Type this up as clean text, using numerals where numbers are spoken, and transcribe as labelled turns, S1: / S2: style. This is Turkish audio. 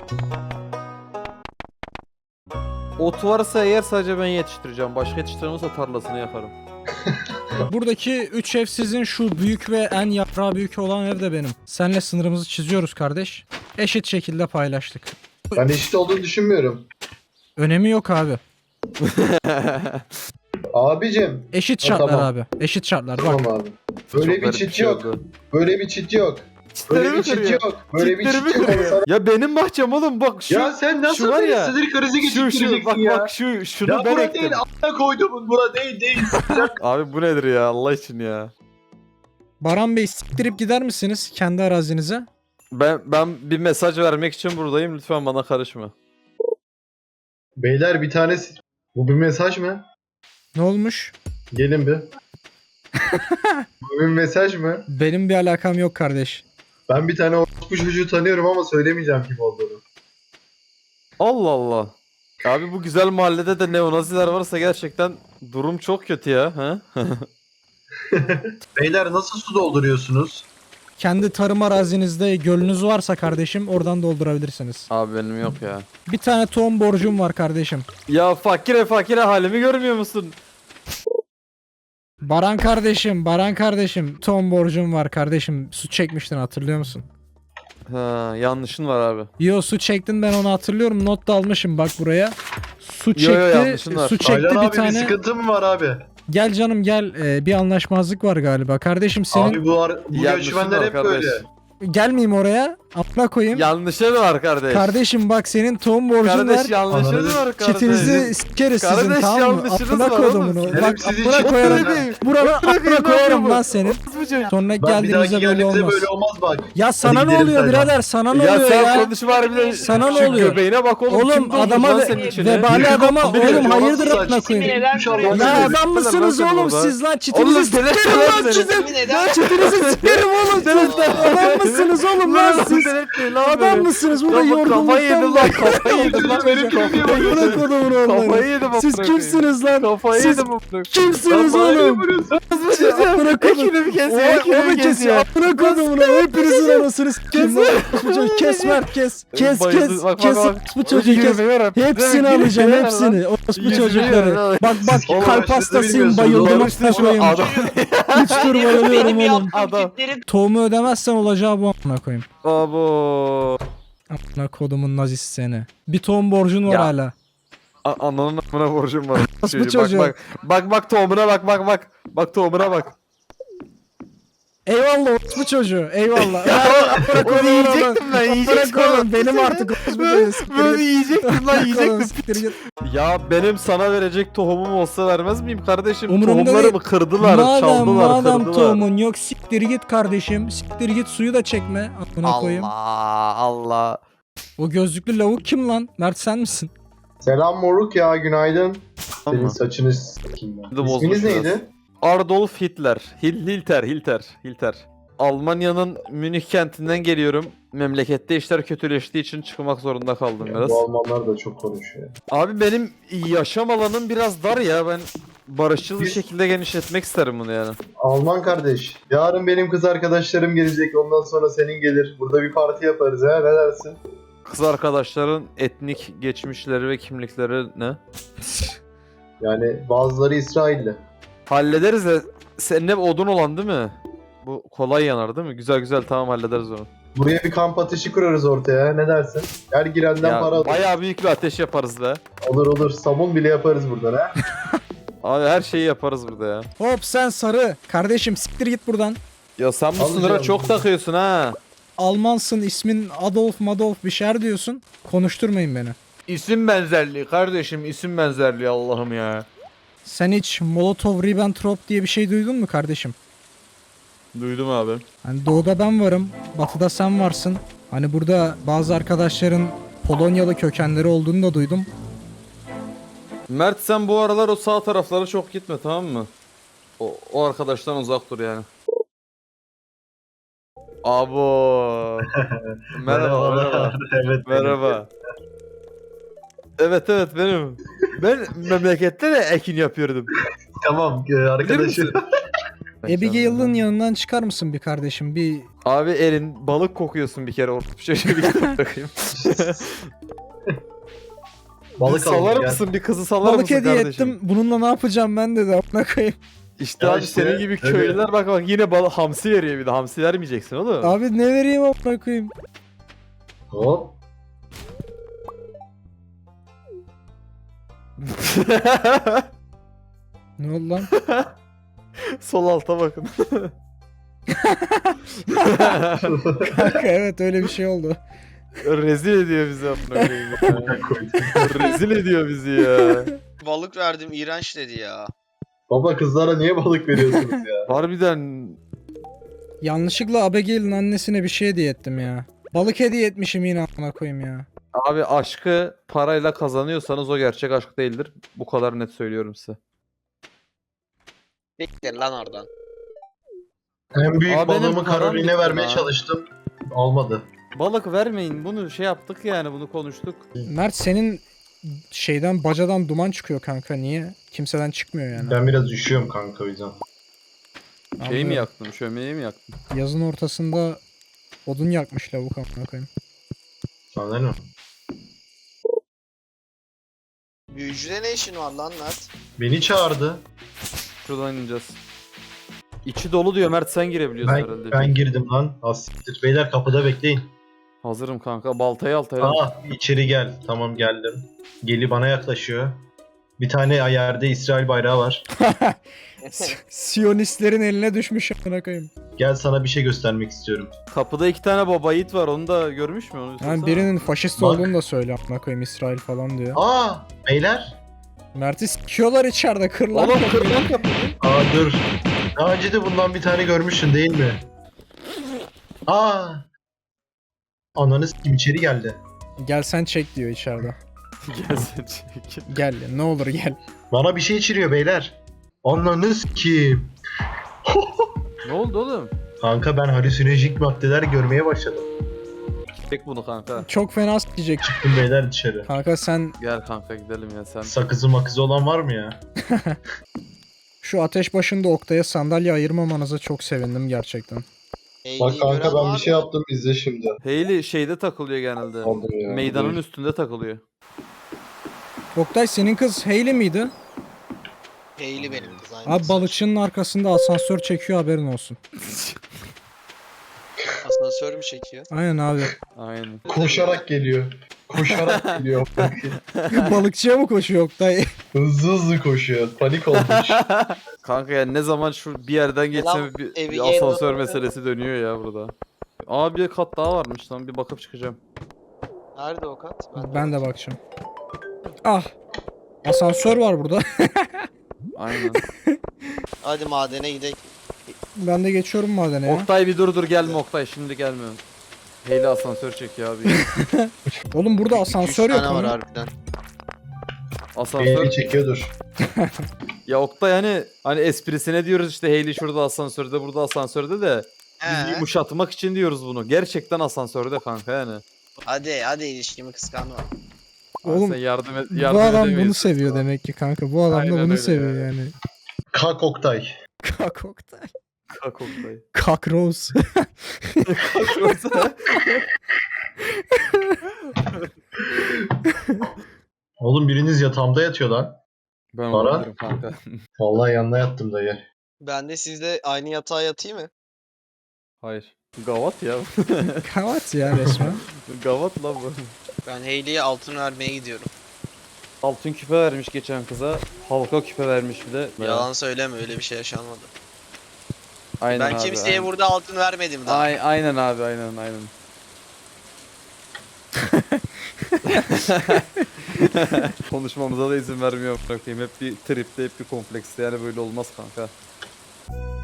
S1: Ot varsa eğer sadece ben yetiştireceğim. Başka yetiştiremezse tarlasını yaparım.
S2: Buradaki 3 ev sizin, şu büyük ve en yaprağı büyük olan ev de benim. Seninle sınırımızı çiziyoruz kardeş. Eşit şekilde paylaştık.
S3: Ben eşit olduğunu düşünmüyorum.
S2: Önemi yok abi.
S3: Abicim.
S2: Eşit
S3: Ha,
S2: şartlar
S3: tamam.
S2: abi. Eşit şartlar bak.
S3: Tamam abi. Böyle
S1: Çok
S3: bir
S1: garip
S3: çit
S1: şey
S3: yok.
S1: oldu.
S3: Böyle bir çit yok. Böyle bir çit yok. Böyle bir
S1: Çitlerimi
S3: çit yok.
S1: kırıyor. Ya benim bahçem oğlum, bak şu.
S3: Ya sen
S1: şu
S3: nasıl
S1: var
S3: bir
S1: ya,
S3: sinir krizi
S1: Şu
S3: geçireceksin
S1: bak
S3: ya?
S1: bak şunu
S3: Ya
S1: ben
S3: bura
S1: ektim.
S3: değil, a**a koyduğumun bura değil.
S1: Abi bu nedir ya Allah için ya.
S2: Baran Bey, siktirip gider misiniz kendi arazinize?
S1: Ben bir mesaj vermek için buradayım, lütfen bana karışma.
S3: Beyler bir tanesi. Bu bir mesaj mı?
S2: Ne olmuş?
S3: Gelin bir. Bu bir mesaj mı?
S2: Benim bir alakam yok kardeş.
S3: Ben bir tane orospu çocuğu tanıyorum ama söylemeyeceğim kim olduğunu.
S1: Allah Allah. Abi bu güzel mahallede de neonaziler varsa gerçekten durum çok kötü ya. Ha?
S3: Beyler nasıl su dolduruyorsunuz?
S2: Kendi tarım arazinizde gölünüz varsa kardeşim oradan doldurabilirsiniz.
S1: Abi benim yok ya.
S2: Bir tane tohum borcum var kardeşim.
S1: Ya fakire halimi görmüyor musun?
S2: Baran kardeşim tohum borcum var kardeşim. Su çekmiştin, hatırlıyor musun?
S1: Ha, yanlışın var abi.
S2: Yo, su çektin, ben onu hatırlıyorum, not da almışım bak buraya. Su çekti,
S1: yanlışın var.
S2: su çekti
S3: Aylan
S2: bir
S3: abi bir
S2: tane.
S3: sıkıntı mı var abi?
S2: Gel canım gel, bir anlaşmazlık var galiba. Kardeşim senin
S3: Abi bu
S1: Yanlışın
S3: göçmenler
S1: var
S3: hep
S1: kardeş.
S3: böyle.
S2: gelmeyeyim oraya. Atla koyayım.
S1: Yanlışın var kardeş.
S2: Kardeşim bak, senin tohum borcun
S1: Kardeş
S2: var.
S1: yanlışın
S3: Anladın.
S1: var kardeş.
S2: Çetinizi sikeriz sizin,
S1: Kardeş,
S2: tamam mı?
S1: yanlışınız
S2: Aklına
S1: var
S2: koydum
S1: oğlum.
S2: bunu.
S3: Benim
S2: Bak
S3: sizi
S2: aklına
S3: çok
S2: koyarım.
S3: bırakayım.
S2: Buranı aklına koyarım lan senin. Sonra
S3: Bak bir
S2: geldiğimizde
S3: dahaki
S2: böyle
S3: geldiğimizde
S2: olmaz.
S3: böyle olmaz bak.
S2: Ya sana
S3: Hadi
S2: ne
S3: gidelim
S2: oluyor
S3: Taylan.
S2: birader? Sana ne
S1: Ya
S2: oluyor
S1: sen
S2: ya?
S1: konuşma harbiden.
S2: Sana ne
S1: Şu
S2: oluyor?
S1: göbeğine bak oğlum.
S2: Oğlum
S1: Kim doldurdu
S2: adama
S1: lan senin içine?
S2: vebali adama
S3: Bir de
S2: oğlum hayırdır
S3: saç-
S2: aklına koyayım.
S4: Neden soruyorsun?
S2: Ya
S3: Oğlum,
S2: adam mısınız
S1: Lan
S2: oğlum
S1: sen
S2: siz lan?
S1: Oğlum
S2: Çitinizi
S1: delirtme
S2: sikerim
S1: lan
S2: lan
S1: beni.
S2: çitin.
S4: Neden?
S2: Lan çitinizi sikerim oğlum. Adam mısınız oğlum lan siz?
S1: Delirtmeyin lan
S2: Adam
S1: beni.
S2: mısınız? Burada
S1: Lan bak, kafayı yedim
S2: yorgunluktan
S1: lan, kafayı yedim lan.
S3: Benim kafayı
S1: Kafayı
S3: yedim.
S2: Bırak oğlum
S1: Kafayı
S2: onları.
S1: yedim.
S2: Siz
S1: amına koyayım.
S2: kimsiniz lan?
S1: Kafayı
S2: Siz
S1: yedim. amına koyayım.
S2: kimsiniz
S3: Lan bana ne
S2: oğlum?
S3: vuruyorsun?
S2: Bırak oğlum.
S1: Ekini kesiyor,
S2: Onu
S1: ekini
S2: kes
S1: kesiyor.
S2: ya. Bırak oğlum. Hepinizin anasını sikeyim lan. Kes Mert kes. Kes
S1: Bayıldı.
S2: kes.
S1: Bak,
S2: Kes
S1: bak, bak.
S2: bu çocuğu kes. Hepsini alacağım hepsini. Orospu
S1: Yüzünü
S2: çocukları.
S1: yiyorum.
S2: Bak bak
S3: Oğlum,
S2: kalp
S3: siz de
S2: hastasıyım,
S3: bilmiyorsunuz.
S2: bayıldım
S1: Oğlum, işte şu
S2: koyayım.
S1: adam.
S2: 3 tur bayılıyorum
S4: Benim
S2: oğlum.
S4: yaptığım
S1: Adam.
S4: kitleri
S2: Tohumu ödemezsen olacağı bu amına koyayım.
S1: Abo.
S2: Amına kodumun nazisi seni. Bir tohum borcun var
S1: Ya.
S2: hala.
S1: Ananın amına borcum var.
S2: Nasıl bu
S1: Bak,
S2: çocuğu?
S1: bak tohumuna bak. Bak tohumuna bak.
S2: Eyvallah orospu çocuğu. Eyvallah.
S1: Onu yiyecektim ben, yiyecektim.
S2: Bırak oğlum benim artık orospu çocuğu. Siktir
S1: Böyle
S2: git.
S1: yiyecektim lan,
S2: Bırak oğlum,
S1: yiyecektim.
S2: siktir git.
S1: Ya benim sana verecek tohumum olsa vermez miyim kardeşim?
S2: Umurumda
S1: Tohumlarımı
S2: değil.
S1: kırdılar, çaldılar,
S2: Madem
S1: kırdılar.
S2: tohumun yok, siktir git kardeşim. Siktir git, suyu da çekme. Amına koyayım.
S1: Allah.
S2: O gözlüklü lavuk kim lan? Mert sen misin?
S3: Selam moruk ya, günaydın. Senin
S1: Tamam.
S3: saçını s**eyim ben.
S1: Bir de bozmuş
S3: İsminiz
S1: biraz.
S3: neydi?
S1: Adolf Hitler. Hilter. Almanya'nın Münih kentinden geliyorum. Memlekette işler kötüleştiği için çıkmak zorunda kaldım
S3: Ya,
S1: biraz.
S3: bu Almanlar da çok konuşuyor.
S1: Abi benim yaşam alanım biraz dar ya. Ben barışçıl bir
S3: Biz-
S1: şekilde genişletmek isterim bunu yani.
S3: Alman kardeş, yarın benim kız arkadaşlarım gelecek, ondan sonra senin gelir. Burada bir parti yaparız ha, ne dersin?
S1: Kız arkadaşların etnik geçmişleri ve kimlikleri ne?
S3: Yani bazıları İsrailli.
S1: Hallederiz de senin hep odun olan değil mi? Bu kolay yanar değil mi? Güzel tamam, hallederiz onu.
S3: Buraya bir kamp ateşi kurarız ortaya, ne dersin? Her girenden
S1: Ya
S3: para alır.
S1: bayağı büyük bir ateş yaparız be.
S3: Olur, sabun bile yaparız buradan ha.
S1: Abi her şeyi yaparız burada ya.
S2: Hop sen sarı. Kardeşim siktir git buradan.
S1: Ya sen bu
S3: Alacağım.
S1: sınıra çok takıyorsun ha.
S2: Almansın, ismin Adolf bir şeyler diyorsun. Konuşturmayın beni.
S1: İsim benzerliği kardeşim, isim benzerliği Allah'ım ya.
S2: Sen hiç Molotov-Ribbentrop diye bir şey duydun mu kardeşim?
S1: Duydum abi.
S2: Hani doğuda ben varım, batıda sen varsın. Hani burada bazı arkadaşların Polonyalı kökenleri olduğunu da duydum.
S1: Mert sen bu aralar o sağ taraflara çok gitme, tamam mı? O arkadaştan uzak dur yani. Abo. merhaba.
S3: Evet.
S1: Merhaba. Evet benim. Ben memlekette de ekin yapıyordum.
S3: Tamam, arkadaşım.
S2: Abigail'ın yanından çıkar mısın bir kardeşim? Bir
S1: Abi Erin balık kokuyorsun bir kere orta şöyle bir bırakayım.
S3: Balık
S1: salar
S3: aldım gel.
S1: mısın bir kızı salar
S2: balık
S1: mısın
S2: hediye
S1: kardeşim?
S2: ettim. Bununla ne yapacağım ben de amına koyayım.
S1: İşte
S3: Ya
S1: abi
S3: işte,
S1: senin gibi
S3: öyle.
S1: köylüler bak yine hamsi veriyor bir de hamsi vermeyeceksin oğlum.
S2: Abi ne vereyim amına koyayım?
S3: Hop.
S2: Ne oldu lan?
S1: Sol alta bakın.
S2: Kanka evet öyle bir şey oldu.
S1: Rezil ediyor bizi amına koyayım ya. Rezil ediyor bizi ya.
S4: Balık verdim iğrenç dedi ya.
S3: Baba kızlara niye balık veriyorsunuz ya?
S1: Harbiden
S2: Yanlışlıkla Abigail'in annesine bir şey hediye ettim ya. Balık hediye etmişim yine amına koyayım ya.
S1: abi aşkı parayla kazanıyorsanız o gerçek aşk değildir. Bu kadar net söylüyorum size.
S4: Bekler lan oradan.
S3: En büyük
S1: Abi benim
S3: balığımı
S1: param
S3: Karolin'e
S1: bitti
S3: vermeye
S1: lan.
S3: çalıştım. Olmadı.
S1: Balık vermeyin bunu şey yaptık yani bunu konuştuk.
S2: Mert senin şeyden bacadan duman çıkıyor kanka niye? Kimseden çıkmıyor yani.
S3: Ben biraz üşüyorum kanka o yüzden.
S1: Şey mi
S2: Anlıyorum.
S1: yaktım şömineyi mi yaktım?
S2: Yazın ortasında odun yakmış lavuk amına koyayım.
S3: Anladın mı?
S4: Büyücüde ne işin var lan Mert?
S3: Beni çağırdı.
S1: Şuradan ineceğiz. İçi dolu diyor Mert sen girebiliyorsun herhalde.
S3: Ben girdim lan. Asiktir. Beyler kapıda bekleyin.
S1: Hazırım kanka baltayı altaya.
S3: Aa içeri gel. Tamam geldim. Geli bana yaklaşıyor. Bir tane yerde İsrail bayrağı var.
S2: Siyonistlerin eline düşmüş amına koyayım.
S3: Gel sana bir şey göstermek istiyorum.
S1: Kapıda 2 tane baba yiğit var onu da görmüş mü onu?
S2: Yani
S1: sorsana.
S2: birinin faşist
S3: Bak.
S2: olduğunu da söyle amına koyayım İsrail falan diyor.
S3: Aa beyler.
S2: Mert'i sikiyorlar içeride kırlar.
S1: Oğlum kırılan kapıyı.
S3: Aa dur. Daha önce de bundan bir tane görmüşsün değil mi? Aa. Ananı s**kim içeri geldi.
S2: Gel sen çek diyor içeride.
S1: Gelsin çek.
S2: Gel ne olur gel.
S3: Bana bir şey içiriyor beyler. Ananı s**kim.
S1: Ne oldu oğlum?
S3: Kanka ben halüsinojik maddeler görmeye başladım.
S1: Çek bunu kanka.
S2: Çok fena diyecek.
S3: Çıktım beyler dışarı.
S2: Kanka sen
S1: Gel kanka gidelim ya sen.
S3: Sakızı makızı olan var mı ya?
S2: şu ateş başında Oktay'a sandalye ayırmamanıza çok sevindim gerçekten.
S4: Bak kanka ben bir şey
S3: yaptım izle şimdi.
S1: Hayley şeyde takılıyor genelde.
S3: Aldım ya.
S1: Meydanın üstünde takılıyor.
S2: Oktay senin kız Hayley miydi?
S4: Hayley benim kız aynı.
S2: Abi balıkçının arkasında asansör çekiyor haberin olsun.
S4: Asansör mü çekiyor?
S2: Aynen abi.
S1: Aynen.
S3: Koşarak geliyor. Koşarak geliyor.
S2: Balıkçıya mı koşuyor Oktay?
S3: Hızlı hızlı koşuyor. Panik olmuş.
S1: Kanka yani ne zaman şu bir yerden geçsem bir
S4: evi
S1: asansör
S4: yayın-
S1: meselesi dönüyor ya burada. Aa bir kat daha varmış lan bir bakıp çıkacağım.
S4: Nerede o kat?
S2: Ben de bakacağım. Ah. Asansör var burada.
S1: Aynen.
S4: Hadi madene gidelim.
S2: Ben de geçiyorum madene ya.
S1: Oktay bir dur gelme Oktay şimdi gelme. Hayley asansör çekiyor abi.
S2: Oğlum burada
S4: 2-3
S2: asansör yok
S4: tane var
S2: ama.
S4: harbiden.
S1: Asansör.
S3: Beni çekiyordur.
S1: Ya Oktay hani esprisine diyoruz işte Hayley şurada asansörde burada asansörde de bizi
S4: He.
S1: yumuşatmak için diyoruz bunu. Gerçekten asansörde kanka yani.
S4: Hadi ilişkimi kıskanma.
S2: Oğlum,
S1: sen yardım et.
S2: Bu
S1: Yardım
S2: adam bunu
S1: edemeyiz.
S2: seviyor demek ki kanka. Bu adam
S1: Aynen
S2: da bunu
S1: öyle
S2: seviyor
S1: ya.
S2: yani.
S3: Kalk Oktay.
S2: Kak Oktay.
S1: Kalk Oktay.
S2: Kak Rose.
S1: Kalk Oktay.
S3: Oğlum biriniz yatağımda yatıyor lan.
S1: Ben
S3: Para?
S1: olabilirim kanka.
S3: Vallahi yanına yattım dayı.
S4: Ben de sizle aynı yatağa yatayım mı?
S1: Hayır. Gavat ya.
S2: Kavat ya resmen.
S1: Gavat lan bu.
S4: Ben Hayley'e altın vermeye gidiyorum.
S1: Altın küpe vermiş geçen kıza. Halka küpe vermiş bir de.
S4: Yalan söyleme öyle bir şey yaşanmadı.
S1: Aynen
S4: Ben
S1: abi,
S4: kimseye
S1: aynen.
S4: burada altın vermedim daha.
S1: Aynen abi aynen. Konuşmamıza da izin vermiyor bırakayım. Hep bir tripte hep bir komplekste yani böyle olmaz kanka.